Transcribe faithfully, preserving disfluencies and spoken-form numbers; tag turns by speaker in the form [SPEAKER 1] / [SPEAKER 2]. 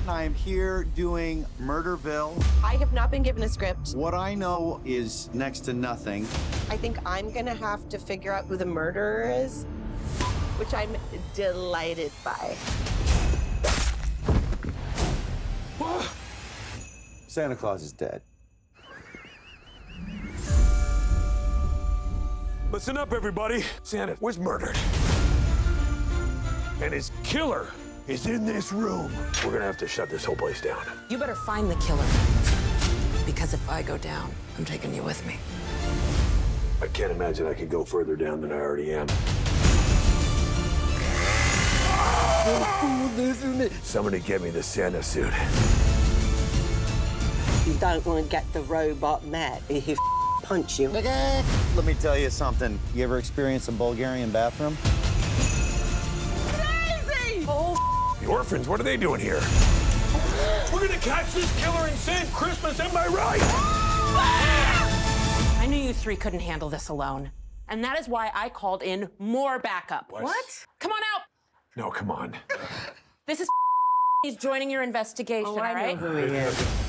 [SPEAKER 1] and I am here doing Murderville.
[SPEAKER 2] I have not been given a script.
[SPEAKER 1] What I know is next to nothing.
[SPEAKER 2] I think I'm gonna have to figure out who the murderer is, which I'm delighted by.
[SPEAKER 1] Santa Claus is dead.
[SPEAKER 3] Listen up, everybody. Santa was murdered. And his killer is in this room. We're gonna have to shut this whole place down.
[SPEAKER 4] You better find the killer. Because if I go down, I'm taking you with me.
[SPEAKER 3] I can't imagine I could go further down than I already am. Somebody get me the Santa suit.
[SPEAKER 5] You don't want to get the robot mad. He'll punch you.
[SPEAKER 1] Let me tell you something. You ever experienced a Bulgarian bathroom?
[SPEAKER 2] Crazy!
[SPEAKER 4] Oh,
[SPEAKER 3] The orphans, what are they doing here? We're gonna catch this killer and save Christmas, am I right?
[SPEAKER 4] I knew you three couldn't handle this alone. And that is why I called in more backup.
[SPEAKER 3] What?
[SPEAKER 4] What? Come on out.
[SPEAKER 3] No, come on.
[SPEAKER 4] This is he's joining your investigation,
[SPEAKER 5] Oh,
[SPEAKER 4] all
[SPEAKER 5] I know
[SPEAKER 4] right?
[SPEAKER 5] who he is.